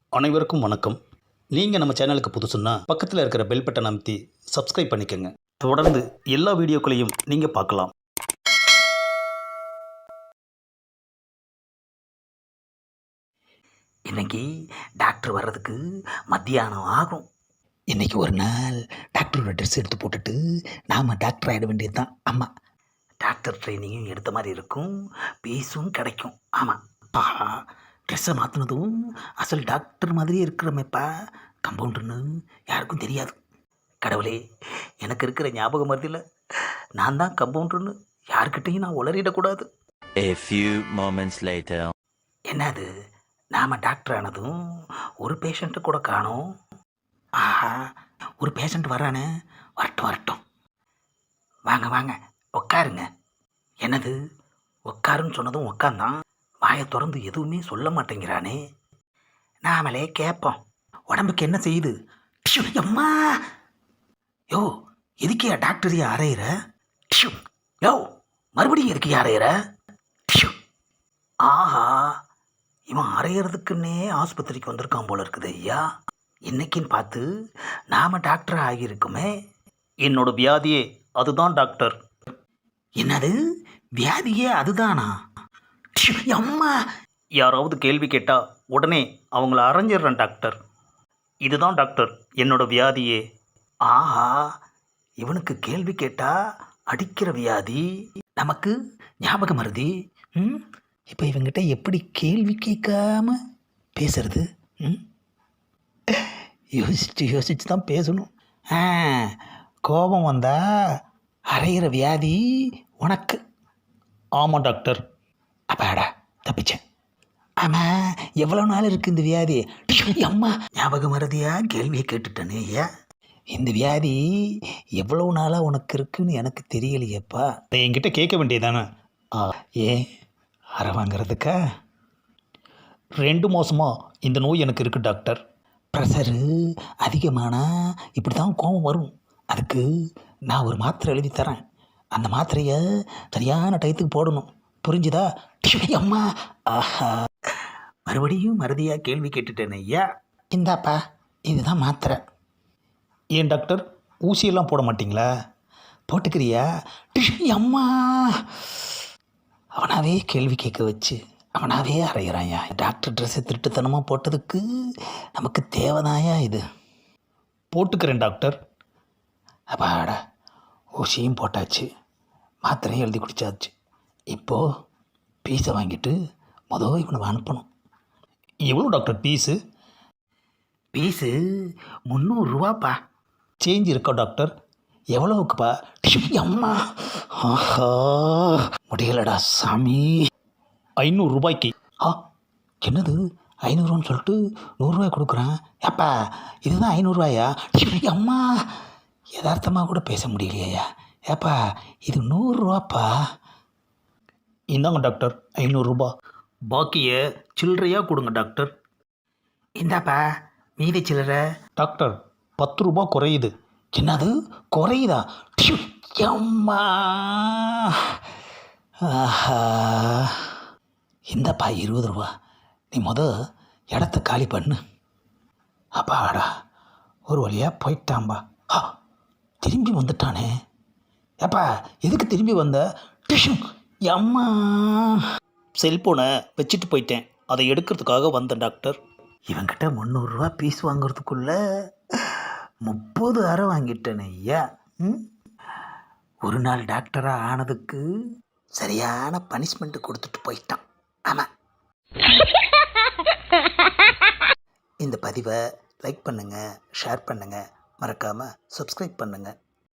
அனைவருக்கும் வணக்கம். நீங்கள் நம்ம சேனலுக்கு புதுசுன்னா பக்கத்தில் இருக்கிற பெல் பட்டனை அமைத்தி சப்ஸ்கிரைப் பண்ணிக்கோங்க. தொடர்ந்து எல்லா வீடியோக்களையும் நீங்கள் பார்க்கலாம். இன்னைக்கு டாக்டர் வர்றதுக்கு மத்தியானம் ஆகும். இன்னைக்கு ஒரு நாள் டாக்டரோட ட்ரெஸ் எடுத்து போட்டுட்டு நாம் டாக்டர் ஆகிட வேண்டியது தான். ஆமாம், டாக்டர் ட்ரைனிங்கும் எடுத்த மாதிரி இருக்கும், பீஸும் கிடைக்கும். ஆமாம், ட்ரெஸ்ஸை மாற்றினதும் அசல் டாக்டர் மாதிரியே இருக்கிறமேப்பா. கம்பவுண்டர்னு யாருக்கும் தெரியாது. கடவுளே, எனக்கு இருக்கிற ஞாபகம் மருதியில் நான் தான் கம்பவுண்டர்னு யாருக்கிட்டையும் நான் உளறிடக்கூடாது. A few moments later. என்னது, நாம் டாக்டர் ஆனதும் ஒரு பேஷண்ட்டு கூட காணோம். ஆஹா, ஒரு பேஷண்ட் வரானே. வரட்டும் வரட்டும், வாங்க வாங்க உட்காருங்க. என்னது, உட்காருன்னு சொன்னதும் உட்காந்தான். வாயை திறந்து எதுவுமே சொல்ல மாட்டேங்கிறானே. நாமளே கேட்போம், உடம்புக்கு என்ன செய்யுது? டிஷ்யூ, அம்மா. யோ, எதுக்கியா டாக்டரையா அரையிற? டிஷ்யூ, யோ, மறுபடியும் எதுக்கியா அரையிற? டிஷ்யூ. ஆஹா, இவன் அரையிறதுக்குன்னே ஆஸ்பத்திரிக்கு வந்திருக்கான் போல இருக்குது ஐயா. இன்னைக்குன்னு பார்த்து நாம் டாக்டர் ஆகியிருக்குமே. என்னோட வியாதியே அதுதான் டாக்டர். என்னது, வியாதியே அதுதானா? டிஷ்யூ, அம்மா. யாராவது கேள்வி கேட்டால் உடனே அவங்கள அரைஞ்சிடுறேன் டாக்டர். இதுதான் டாக்டர் என்னோட வியாதியே. ஆஹா, இவனுக்கு கேள்வி கேட்டா அடிக்கிற வியாதி, நமக்கு ஞாபகம் மருதி. இப்போ இவங்கிட்ட எப்படி கேள்வி கேட்காம பேசுறது? யோசிச்சு யோசிச்சு தான் பேசணும். கோபம் வந்தா அரைகிற வியாதி உனக்கு. ஆமாம் டாக்டர். அப்பாடா, தப்பிச்சேன். ஆமாம், எவ்வளோ நாள் இருக்குது இந்த வியாதி? அம்மா, ஞாபகம் மறதியா கேள்வியை கேட்டுட்டேனே ஐயா. இந்த வியாதி எவ்வளோ நாளாக உனக்கு இருக்குன்னு எனக்கு தெரியலையேப்பா. என்கிட்ட கேட்க வேண்டியதானே. ஏன் அரை வாங்கிறதுக்கா? 2 மாதமாக இந்த நோய் எனக்கு இருக்குது டாக்டர். ப்ரெஷரு அதிகமானா இப்படி தான் கோபம் வரும். அதுக்கு நான் ஒரு மாத்திரை எழுதி தரேன். அந்த மாத்திரையை சரியான டயத்துக்கு போடணும், புரிஞ்சுதா? அம்மா. ஆஹா, மறுபடியும் மறதியாக கேள்வி கேட்டுட்டேன் ஐயா. இந்தாப்பா, இதுதான் மாத்திரை. ஏன் டாக்டர், ஊசியெல்லாம் போட மாட்டிங்களா? போட்டுக்கிறியா? அம்மா. அவனாவே கேள்வி கேட்க வச்சு அவனாவே அறையிறாயா. டாக்டர் ட்ரெஸ்ஸை திருட்டுத்தனமாக போட்டதுக்கு நமக்கு தேவைதாயா இது? போட்டுக்கிறேன் டாக்டர். அப்பாடா, ஊசியும் போட்டாச்சு, மாத்திரையும் எழுதி குடிச்சாச்சு. இப்போது பீஸை வாங்கிட்டு இவனை அனுப்பணும். எவ்வளோ டாக்டர் பீஸு? பீஸு 300 ரூபாப்பா. சேஞ்ச் இருக்கா டாக்டர்? எவ்வளோவுக்குப்பா? அம்மா. ஆஹா, முடியலடா சாமி. 500 ரூபாய்க்கு. என்னது 500 சொல்லிட்டு 100 ரூபாய் கொடுக்குறான்? ஏப்பா, இதுதான் 500 ரூபாயா? அம்மா, யதார்த்தமாக கூட பேச முடியலையா? ஏப்பா, இது 100 ரூபாப்பா. இந்தாங்க டாக்டர் 500 ரூபா. பாக்கியை சில்லறையாக கொடுங்க டாக்டர். இந்தாப்பா மீதி சில்லறை. டாக்டர் 10 ரூபா குறையுது. என்னது, குறையுதா? அம்மா. ஆஹா, இந்தப்பா 20 ரூபா. நீ இடத்த காலி பண்ணு. அப்பாடா, ஒரு வழியாக போயிட்டான்பா. திரும்பி வந்துட்டானே. ஏப்பா, எதுக்கு திரும்பி வந்த? அம்மா. செல்ஃபோனை வச்சுட்டு போயிட்டேன், அதை எடுக்கிறதுக்காக வந்தேன் டாக்டர். இவங்கிட்ட 300 ரூபா பீஸ் வாங்குறதுக்குள்ள 30 அரை வாங்கிட்டேன் ஐயா. ஒரு நாள் டாக்டராக ஆனதுக்கு சரியான பனிஷ்மெண்ட்டு கொடுத்துட்டு போயிட்டான். ஆமாம். இந்த பதிவை லைக் பண்ணுங்கள், ஷேர் பண்ணுங்கள், மறக்காமல் சப்ஸ்கிரைப் பண்ணுங்கள்.